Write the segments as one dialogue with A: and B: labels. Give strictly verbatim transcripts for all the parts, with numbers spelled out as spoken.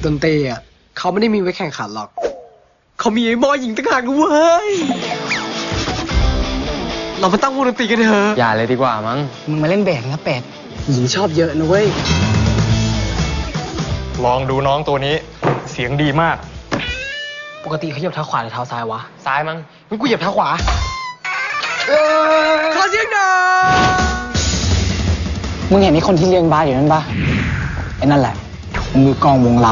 A: ดนตรีอ่ะเขาไม่ได้มีไว้แข่งขันหรอกเขามีไอ้บอยหญิงต่างหากด้วยเรามาตั้งวงดนตรีกันเถอะ
B: อย่าเลยดีกว่ามั้ง
A: มึงมาเล่นเบสนะเป็ดหญิงชอบเยอะนะเว้ย
C: ลองดูน้องตัวนี้เสียงดีมาก
A: ปกติเขาเหยียบเท้าขวาหรือเท้าซ้ายวะ
B: ซ้ายมั้ง
A: งั้นกูเหยียบเท้าขวาขอเสียงหน่อยมึงเห็นไอ้คนที่เลี้ยงบาสอยู่นั่นปะไอ้นั่นแหละมือกองวงเรา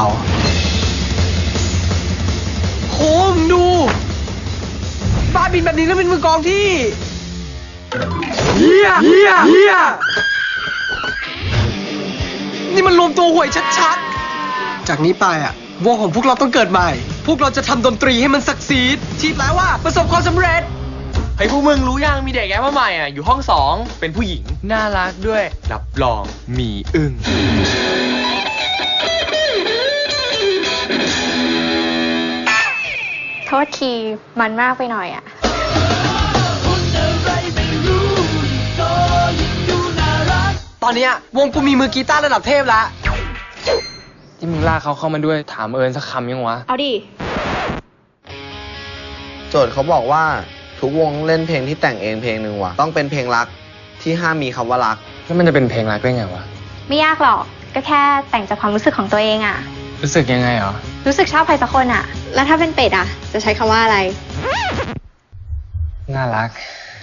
A: โหมึงดูบาสบินแบบนี้แล้วเป็นมือกองที่เฮียเฮียเฮียนี่มันรวมตัวห่วยชัดๆจากนี้ไปอ่ะวงของพวกเราต้องเกิดใหม่พวกเราจะทำดนตรีให้มันสักซีดที่แปลว่าประสบความสำเร็จ
B: เฮ้ยพวกมึงรู้ยังมีเด็กแอปมาใหม่อ่ะอยู่ห้องสองเป็นผู้หญิงน่ารักด้วยรับรองมีอึ้ง
D: โทษทีมันมากไปหน่อยอ่ะ
A: ตอนนี้วงกูมีมือกีตาร์ระดับเทพแล้ว
B: ที่มึงลากเขาเข้ามาด้วยถามเอิญสักคำยังวะ
D: เอาดิ
E: โจทย์เขาบอกว่าทุกวงเล่นเพลงที่แต่งเองเพลงหนึ่งว่ะต้องเป็นเพลงรักที่ห้ามมีคำว่ารัก
B: แล้วมันจะเป็นเพลงรักได้ไงวะ
D: ไม่ยากหรอกก็แค่แต่งจากความรู้สึกของตัวเองอ่ะ
B: รู้สึกยังไงหรอ
D: รู้สึกชอบใครสักคนอ่ะแล้วถ้าเป็นเป็ดอ่ะจะใช้คำว่าอะไร
B: น่ารัก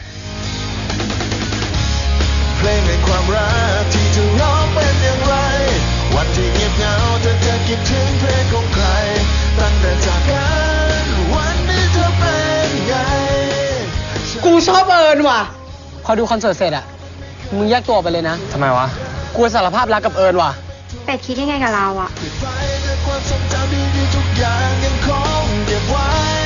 F: เพลงในความรักที่เธอร้องเป็นอย่างไรวันที่เงียบเหงาเธอจะคิดถึงเพลงของใครตั้งแต่จากกันวันนี้เธอเป็นไง
A: กูชอบเอิญว่ะพอดูคอนเสิร์ตเสร็จอ่ะมึงแยกตัวไปเลยนะ
B: ทำไมวะ
A: กูสารภาพรักกับเอิญว่ะ
D: เป็ดคิดยังไงกับเราอ่ะ
F: ความทรงจำดีๆทุกอย่างยังคงเก็บไว้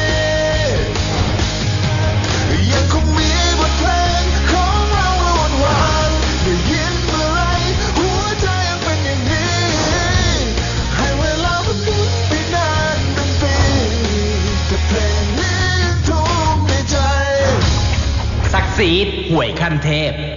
F: ยังคงมีบทเพลงของเราวนวานได้ยินเมื่อไรหัวใจยังเป็นอย่างนี้ให้เวลามันหมุนไปนานเป็นปีแต่เพลงนี้ทุกในใจ
G: ซักซีดห่วยขั้นเทพ